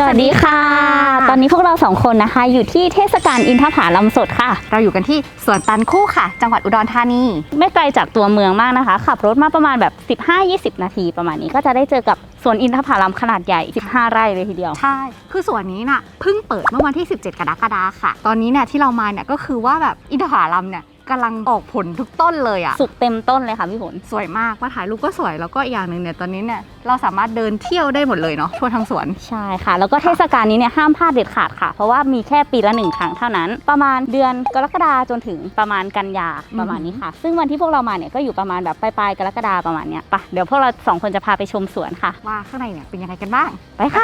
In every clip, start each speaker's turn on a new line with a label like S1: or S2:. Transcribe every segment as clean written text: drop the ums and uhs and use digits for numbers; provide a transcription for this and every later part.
S1: วัสดีค่ะตอนนี้พวกเรา2คนนะคะอยู่ที่เทศกาลอินทผลัมสดค่ะ
S2: เราอยู่กันที่สวนตันคู่ค่ะจังหวัดอุดรธานี
S1: ไม่ไกลจากตัวเมืองมากนะคะขับรถมาประมาณแบบ 15-20 นาทีประมาณนี้ก็จะได้เจอกับสวนอินทผลัมขนาดใหญ่15 ไร่เลยทีเดียว
S2: ใช่คือสวนนี้น่ะเพิ่งเปิดเมื่อวันที่17กรกฎาคมค่ะตอนนี้เนี่ยที่เรามาเนี่ยก็คือว่าแบบอินทผลัมเนี่ยกำลังออกผลทุกต้นเลยอ่ะ
S1: สุกเต็มต้นเลยค่ะพี่ฝน
S2: สวยมากมาถ่ายรูปก็สวยแล้วก็อีกอย่างหนึ่งเนี่ยตอนนี้เนี่ยเราสามารถเดินเที่ยวได้หมดเลยเนาะทั่วทั้งสวน
S1: ใช่ค่ะแล้วก็เทศกาลนี้เนี่ยห้ามพลาดเด็ดขาดค่ะเพราะว่ามีแค่ปีละ1 ครั้งเท่านั้นประมาณเดือนกรกฎาจนถึงประมาณกันยาประมาณนี้ค่ะซึ่งวันที่พวกเรามาเนี่ยก็อยู่ประมาณแบบปลายกรกฎาประมาณเนี้ยไปเดี๋ยวพวกเรา2 คนจะพาไปชมสวนค่ะ
S2: ว่าข้างในเนี่ยเป็นยังไงกันบ้าง
S1: ไปค่ะ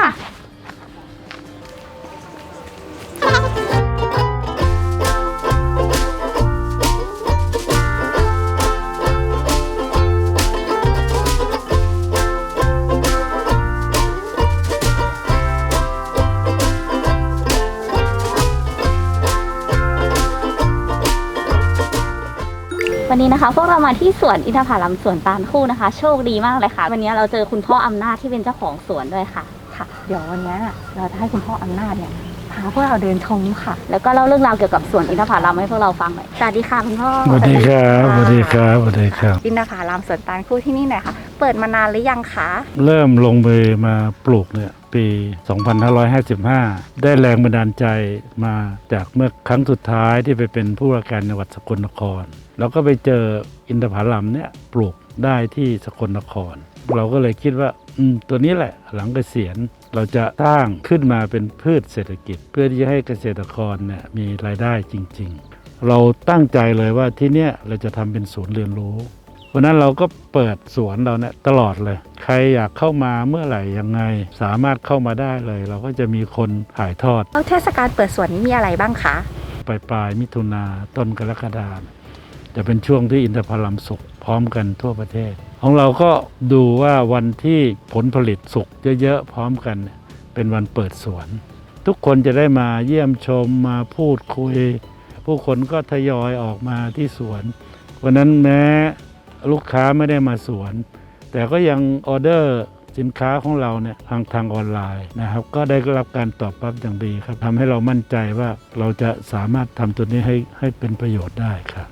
S1: วันนี้นะคะพวกเรามาที่สวนอินทผลัมสวนตาลคู่นะคะโชคดีมากเลยค่ะวันนี้เราเจอคุณพ่ออำนาจที่เป็นเจ้าของสวนด้วยค่ะ
S2: เดี๋ยววันนี้เราจะให้คุณพ่ออำนาจเนี่ยพาพวกเราเดินชมค่ะ
S1: แล้วก็เล่าเรื่องราวเกี่ยวกับสวนอินทผลัมให้พวกเราฟังหน่อยสวัสดีค่ะคุณพ่อ
S3: สวัสดีครับสวัสดีครับสวัสดีครับ
S2: อินทผลัมสวนตาลคู่ที่นี่หน่อยค่ะเปิดมานานหรือยังคะ
S3: เริ่มลงมือมาปลูกเนี่ยปี 2555 ได้แรงบันดาลใจมาจากเมื่อครั้งสุดท้ายที่ไปเป็นผู้ว่าการจังหวัดสกลนครแล้วก็ไปเจออินทผลัมเนี่ยปลูกได้ที่สกลนครเราก็เลยคิดว่าตัวนี้แหละหลังเกษียณเราจะสร้างขึ้นมาเป็นพืชเศรษฐกิจเพื่อที่จะให้เกษตรกรเนี่ยมีรายได้จริงๆเราตั้งใจเลยว่าที่เนี่ยเราจะทำเป็นศูนย์เรียนรู้วันนั้นเราก็เปิดสวนเราเนี่ยตลอดเลยใครอยากเข้ามาเมื่อไหร่ยังไงสามารถเข้ามาได้เลยเราก็จะมีคนถ่ายทอด
S2: แล้วเทศกาลเปิดสวนนี้มีอะไรบ้างคะ
S3: ปลายมิถุนาต้นกรกฎาคมจะเป็นช่วงที่อินทผลัมสุกพร้อมกันทั่วประเทศของเราก็ดูว่าวันที่ผลผลิตสุกเยอะๆพร้อมกันเป็นวันเปิดสวนทุกคนจะได้มาเยี่ยมชมมาพูดคุยผู้คนก็ทยอยออกมาที่สวนวันนั้นแม้ลูกค้าไม่ได้มาสวนแต่ก็ยังออเดอร์สินค้าของเราเนี่ยทางออนไลน์นะครับก็ได้รับการตอบรับอย่างดีครับทำให้เรามั่นใจว่าเราจะสามารถทำตัวนี้ให้เป็นประโยชน์ได้ครับ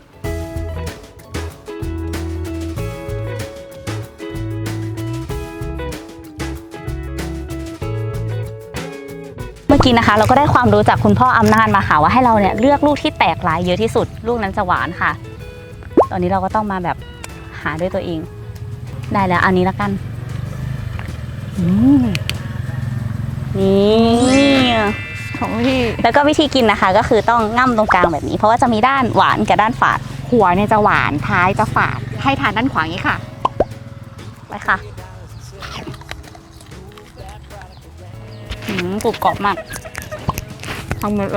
S1: เมื่อกี้นะคะเราก็ได้ความรู้จากคุณพ่ออำนาจมาค่ะว่าให้เราเนี่ยเลือกลูกที่แตกลายเยอะที่สุดลูกนั้นจะหวานค่ะตอนนี้เราก็ต้องมาแบบหาด้วยตัวเองได้แล้วอันนี้ละกันนี่
S2: ของพี่
S1: แล้วก็วิธีกินนะคะก็คือต้องง่ำตรงกลางแบบนี้เพราะว่าจะมีด้านหวานกับด้านฝาด
S2: หัวเนี่ยจะหวานท้ายจะฝาดให้ทานด้านขวาอย่างนี้ค่ะ
S1: ไปค่ะกรุบกรอบมาก
S2: ทำเลย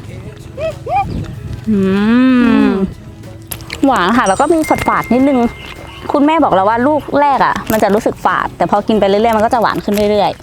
S1: หวานค่ะแล้วก็มีฝาดๆนิดนึงคุณแม่บอกแล้วว่าลูกแรกอ่ะมันจะรู้สึกฝาดแต่พอกินไปเรื่อยๆมันก็จะหวานขึ้นเรื่อย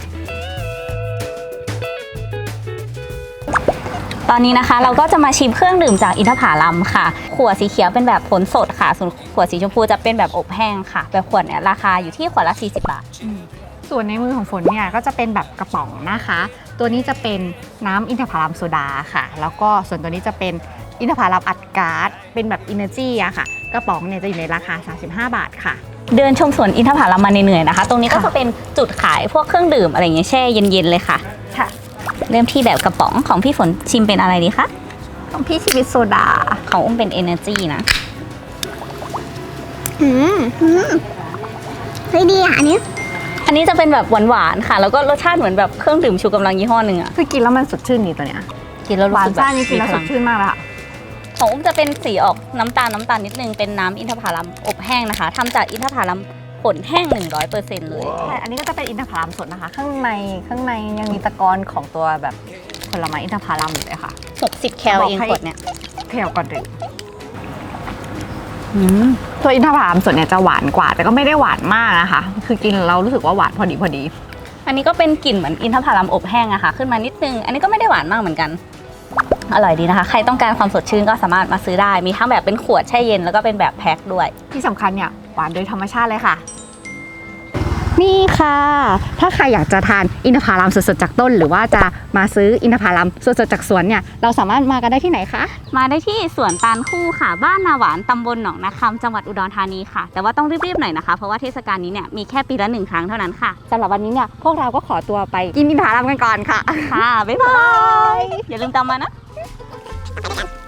S1: ๆตอนนี้นะคะเราก็จะมาชิมเครื่องดื่มจากอินทผลัมค่ะขวดสีเขียวเป็นแบบผลสดค่ะส่วนขวดสีชมพูจะเป็นแบบอบแห้งค่ะแบบขวดเนี่ยราคาอยู่ที่ขวดละ40 บาท
S2: ส่วนในมือของฝนเนี่ยก็จะเป็นแบบกระป๋องนะคะตัวนี้จะเป็นน้ำอินทผลัมโซดาค่ะแล้วก็ส่วนตัวนี้จะเป็นอินทผลัมอัดก๊าซเป็นแบบอินเนอร์จีอะค่ะกระป๋องเนี่ยจะอยู่ในราคา35 บาทค่ะ
S1: เดินชมสวนอินทผลัมมาเหนื่อยๆนะคะตรงนี้ก็จะเป็นจุดขายพวกเครื่องดื่มอะไรอย่างเงี้ยแช่เย็นๆเลยค่ะเริ่มที่แบบกระป๋องของพี่ฝนชิมเป็นอะไรดีคะ
S2: ของพี่ชิมเป็นโซดา
S1: ของอุ้มเป็น Energy นะ
S2: เฮ้ยดีอ่ะอัน
S1: นี้จะเป็นแบบหวานๆค่ะแล้วก็รสชาติเหมือนแบบเครื่องดื่มชูกำลังยี่ห้อหนึ่งอะ
S2: คือกินแล้วมันสดชื่นนี่ตัวเนี้ย
S1: กินแล้ว
S2: หวานซ่านี่กินแล้วสดชื่นมากเลยค่ะ
S1: ของอุ้มจะเป็นสีออกน้ำตาลนิดนึงเป็นน้ำอินทผลัมอบแห้งนะคะทำจากอินทผลัมผลแห้ง 100% เลย
S2: ใช่อันนี้ก็จะเป็นอินทผลัมสดนะคะข้างในยังมีตะกอนของตัวแบบผลไม้อินทผลัมอยู่เลยค่ะ
S1: 60 แคลเองขวดเนี่ย
S2: แคลก่อนเลยตัวอินทผลัมสดเนี่ยจะหวานกว่าแต่ก็ไม่ได้หวานมากนะคะคือกินเรารู้สึกว่าหวานพอดี
S1: อันนี้ก็เป็นกลิ่นเหมือนอินทผลัมอบแห้งอะค่ะขึ้นมานิดนึงอันนี้ก็ไม่ได้หวานมากเหมือนกันอร่อยดีนะคะใครต้องการความสดชื่นก็สามารถมาซื้อได้มีทั้งแบบเป็นขวดแช่เย็นแล้วก็เป็นแบบแพ็คด้วย
S2: ที่สำคัญเนี่ยหวานโดยธรรมชาติเลยค่ะนี่ค่ะ ถ้าใครอยากจะทานอินทผลัมสดๆจากต้นหรือว่าจะมาซื้ออินทผลัมสดๆจากสวนเนี่ยเราสามารถมากันได้ที่ไหนคะ
S1: มาได้ที่สวนตาลคู่ค่ะ บ้านนาหวานตำบลหนองนาคำจังหวัดอุดรธานีค่ะ แต่ว่าต้องรีบๆหน่อยนะคะ เพราะว่าเทศกาลนี้เนี่ยมีแค่ปีละ1ครั้งเท่านั้นค่ะ
S2: สำหรับวันนี้เนี่ยพวกเราก็ขอตัวไปกินอินทผลัมกันก่อนค่ะ
S1: ค่ะ บ๊ายบาย อย่าลืมตามมานะ